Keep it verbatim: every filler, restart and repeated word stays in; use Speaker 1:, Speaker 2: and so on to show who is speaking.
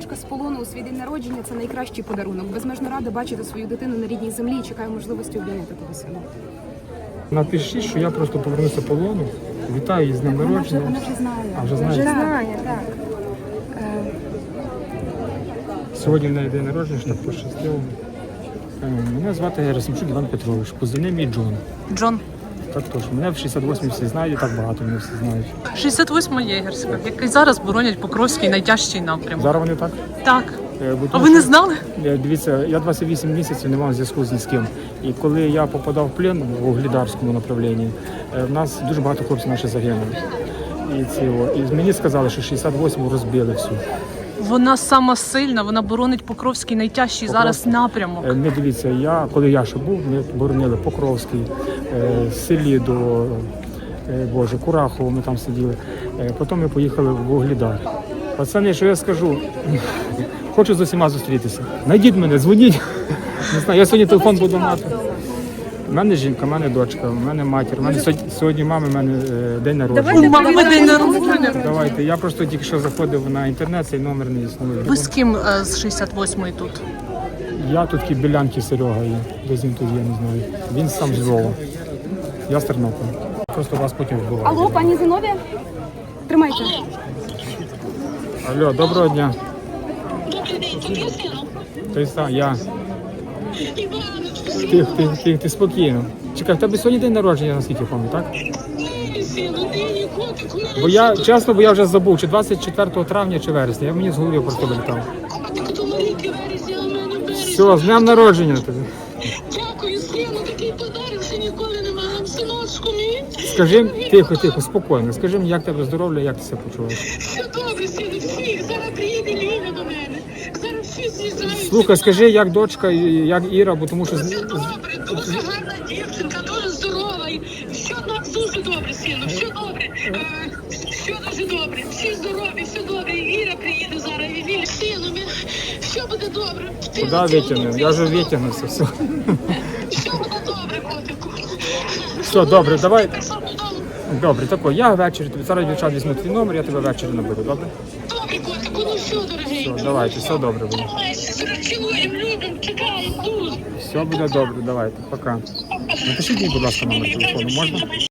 Speaker 1: дочка з полону у свій день народження – це найкращий подарунок. Безмежно рада бачити свою дитину на рідній землі і чекаю можливості обійняти того сина.
Speaker 2: Напишіть, що я просто повернуся з полону. Вітаю її з днем
Speaker 1: Вона вже,
Speaker 2: народження.
Speaker 1: вона вже знає.
Speaker 2: А, вже знає?
Speaker 1: Вже
Speaker 2: Так.
Speaker 1: знає, так. Е,
Speaker 2: Сьогодні в неї день народження, що так пощастило. Е, Мене звати Герасимчук Іван Петрович, позивний мій Джон.
Speaker 3: Джон.
Speaker 2: Так точно. Мене в шістдесят восьмій всі знають, і так багато мене всі знають.
Speaker 3: шістдесят восьма єгерська, який зараз боронять Покровський найтяжчий напрямок.
Speaker 2: Зараз вони так?
Speaker 3: Так.
Speaker 2: Е, бо
Speaker 3: А
Speaker 2: тому
Speaker 3: ви не
Speaker 2: що-
Speaker 3: знали?
Speaker 2: Е, Дивіться, я двадцять вісім місяців не мав зв'язку з ні з ким. І коли я попадав в плен в Вугледарському направлінні, е, в нас дуже багато хлопців наші загинули. І, ці, о, і мені сказали, що шістдесят восьму розбили всю.
Speaker 3: Вона сама сильна, вона боронить Покровський найтяжчий зараз
Speaker 2: Покровський.
Speaker 3: напрямок.
Speaker 2: Е, Ми дивіться, я, коли я ще був, ми боронили Покровський, е, селі до е, Боже, Курахово, ми там сиділи. Е, Потім ми поїхали в Вугледар. Пацани, що я скажу? Хочу з усіма зустрітися. Найдіть мене, дзвоніть. Не знаю, я сьогодні телефон буду мати. У мене жінка, у мене дочка, у мене матір. У мене сьогодні, сьогодні мами, у мене е, день народження.
Speaker 3: У мами день народження.
Speaker 2: Давайте, я просто тільки що заходив на інтернет, цей номер не існує.
Speaker 3: Ви з ким е, з шістдесят восьмої тут?
Speaker 2: Я тут Білянки Серега є, десь він тут є, не знаю. Він сам з Львова. Я з Тернополя. Просто вас потім вбиваю.
Speaker 1: Алло, пані Зиновія? Тримайте.
Speaker 2: Алло, доброго дня.
Speaker 4: Добрий день, тобі сину?
Speaker 2: Ти сам, я.
Speaker 4: Іванович,
Speaker 2: Тих, тих, тих, ти спокійно. Чекай, в тебе сьогодні день народження, наскільки я пам'ятаю, так?
Speaker 4: ні, сину, ти ні котик, у мене
Speaker 2: Бо я, чесно, бо я вже забув, чи двадцять четвертого травня, чи вересня. Я мені з голови просто вилітав.
Speaker 4: котик, то маріки вересня, а в мене березня.
Speaker 2: Все, з днем народження тобі.
Speaker 4: Дякую, сину, такий подарунок, що ніколи не мала. Синочку мій.
Speaker 2: Скажи, тихо, тихо, спокійно. Скажи мені, як тебе здоров'я, як ти себе почуваєш?
Speaker 4: Все добре, сину, всі. Зараз приїде Ліля до мене. Зараз всі з'їжджають.
Speaker 2: Слухай, скажи, як дочка, і як Іра, бо тому що... з-
Speaker 4: Все добре, дуже гарна дівчинка, дуже здорова. І все так дуже добре, сину, все добре. Е, Все дуже добре, всі здорові, все добре. І Іра приїде зараз, і Ліля. Сину, ми... все буде добре. Ти
Speaker 2: Куди
Speaker 4: оце
Speaker 2: витягнув? Я вже витягнувся, все.
Speaker 4: Все буде добре, котику.
Speaker 2: Все, добре, давай.
Speaker 4: Так само додому.
Speaker 2: Добре, тако, я ввечері, тобі зараз дівчат візьму твій номер, я тебе ввечері наберу, добре?
Speaker 4: Добре, котику, ну все, дорогий.
Speaker 2: Все, давайте, все добре буде.
Speaker 4: Тримайся, зараз цілуємо, любимо, чекаємо дуже.
Speaker 2: Все буде добре, давайте, пока. Напишіть мені, будь ласка, номер телефону, можна?